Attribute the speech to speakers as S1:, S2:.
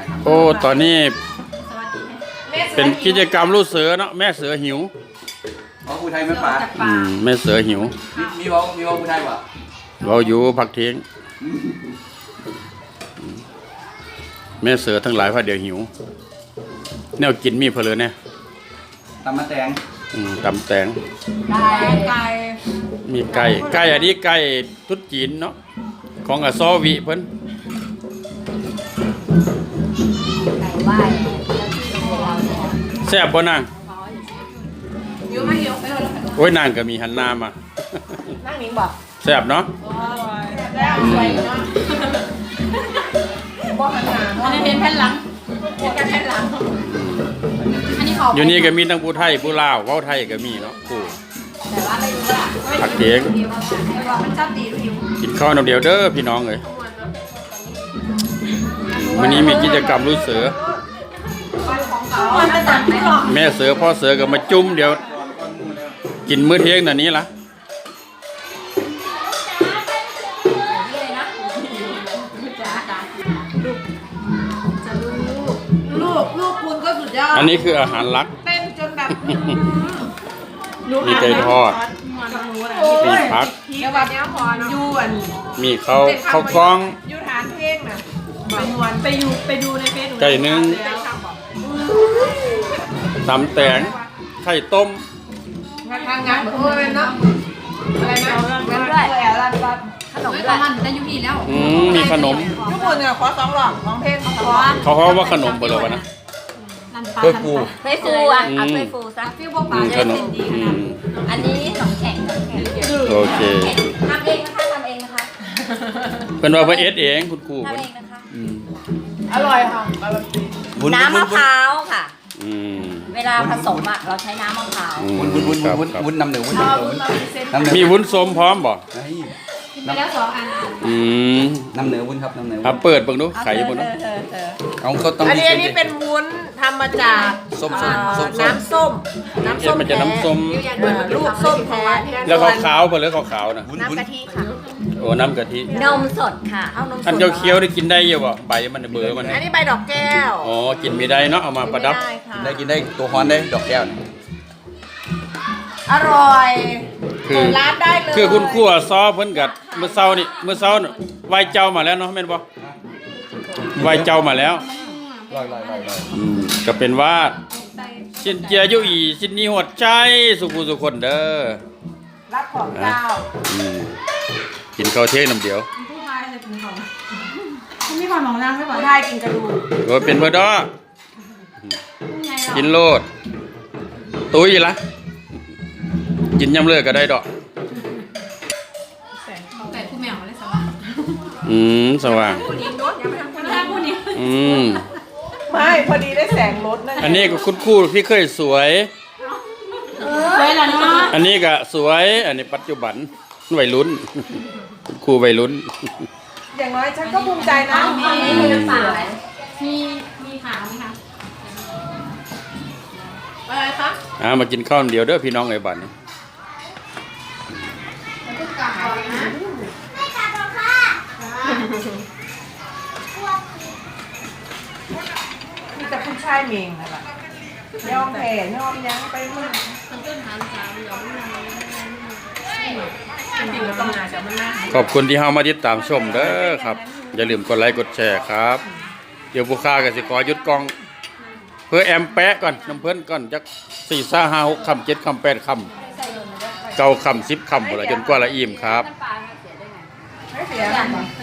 S1: โอ้ตอนนี้เป็นกิจกรรมลูกเสือเนาะแม่เสือหิว
S2: อ๋อผู้ไทยไม่ป่า
S1: แม่เสือหิว
S2: มีวอผู้ไทยป่ะ
S1: เราอยู่พักเที่ยงแม่เสือทั้งหลายพาเดี๋ยวหิวแนวกินมีเพลินเนี่ย
S2: ตำมะแตง
S1: ตำแตงไก่มีไก่อันนี้ไก่ตุ๊ดจีนเนาะของอซอวิเพิ่นแซ่บบ่นางโอ้ยนางก็มีหันหน้ามานั่งนิ่งบ่แซ่บเนาะ
S3: อันนี้เป็นแผ่นหลังเป็นแผ่นหลัง
S1: อยู่นี่ก็มีทั้งผู้ไทยผู้ลาวเว้าไทยก็มีเนาะผู้
S3: แต่ว่าไม่รู้ว่า
S1: ผักเทียง
S3: มันชอบดีดู
S1: กินข้าวน้ำเดียวเด้อพี่น้องเลยวันนี้มีกิจกรรมลูกเสือแม่เสือพ่อเสือก็มาจุ่มเดี๋ยวกินมื้อเที่ยงน่ะนี้ละ
S3: ลูกคุณก็สุดยอด
S1: อันนี้คืออาหารลัก
S3: เต้นจนแบบ
S1: มีไก่ทอดมีผัก
S3: ยวน
S1: มีข้าวกล้อง
S3: ยูฐานเพลงน่ะไปดูในเฟซ
S1: ไก่นึ่งตำแตงไข่ต้ม
S3: งานโอ้ยเนาะอะไรนะงานด้วยขนมด้วยมันได้ยุพีแล้ว
S1: มีขนม
S3: ทุกคนเนี่ยขอ2 หลอดของเพลง
S1: เขาว่าขนมเปล่าวะนะ
S2: เฮ้ยฟู
S4: อ่ะเอาเฮ้ยฟูซะฟิวบอกป่าได้เป็นดีขนาดอันนี้ขนมแข็ง
S1: โอเค
S4: ทำเองนะคะ
S1: เป็นว่าเอสเองคุณครู
S4: ทำเองนะคะ
S3: อร่อยค่ะ
S4: น้ำมะพร้าวค่ะเวลาผสมอ่ะเราใช้น้ำมะพร้าว
S2: วุ้นน้ำเหนือวุ้น
S1: มีวุ้นส้มพร้อมบ่
S3: ไปแล้ว2 อัน
S2: น้ำเหนือวุ้นครับน้ำเหนือวุ้น
S1: เปิดเบิ่งดูไข่เบิ่งดู
S2: เอาก็ต้อง
S3: อันนี้เป็นวุ้นทำมาจากน้ำส้ม
S1: มันจะน้ำส้ม
S3: ลูกส้มแท้
S1: แล้วขาวๆเปล่าหรือขาวๆนะ
S3: น้ำกะทิค่ะ
S1: โอ้น้ำกะทิ
S4: นมสดค่ะเอานมสด
S1: อันเคี้ยวได้กินได้ยังบ่ใบมันเบอร์มัน
S3: อันนี้ใบดอกแก้ว
S1: อ๋อกินไม่ได้เนาะเอามาประดับ
S2: ได้กินได้ตัวฮ้อนได้ดอกแก้ว
S3: อร่อยร้านได้เลย
S1: คือคุณครูซอเพิ่นกัดเมื่อเช้าไหว้เจ้ามาแล้วเนาะแม่นบ่ไหว้เจ้ามาแล้วก็เป็นว่าสินเจียอยู่อีสินนี้หดใจสุขุสุคนเด้อ
S3: รับของเจ้า
S1: กินข้าวเที่ยงน้ำเดียว
S3: ผู้ชายจะกินของไม่ผ่อนของนางไม่ผ่อนได้กินกระดูก
S1: โอ้เป็นเพื่อดอกินโลดตุ้ยละกินยำเลือก็ได้ดอก
S3: แต่ผู้แมวเลยสว่าง
S1: สว่าง
S3: ไม่พอดีได้แสงรถนั่น
S1: อันนี้ก็คุณครูที่เคยสวยอันนี้ก็สวยอันนี้ปัจจุบันวัยรุ่นคุณครูวัยรุ่น
S3: อย่างน้อยฉันก็ภูมิใจนะ
S4: มีน้ำเปล่าไหม
S3: มีขาวไหมคะอะไรคะ
S1: มากินข้าวเดียวเด้อพี่น้องไอ้บ้านนี้
S3: มีแต่ผู้ชายเมงนะคะยอมแผ่ยอมยั้งไปมาก
S1: ขอบคุณที่เฮามาติดตามชมเด้อครับอย่าลืมกดไลค์กดแชร์ครับเดี๋ยวผู้ค้าก็สิขอหยุดกล้องเพื่อแอมแปะก่อนน้ำเพิ่นก่อนจัก4 5 6 คำ 7 คำ 8 คำ9 คำ 10 คำหมดละจนกว่าละอิ่มครับ
S3: ไม่เสีย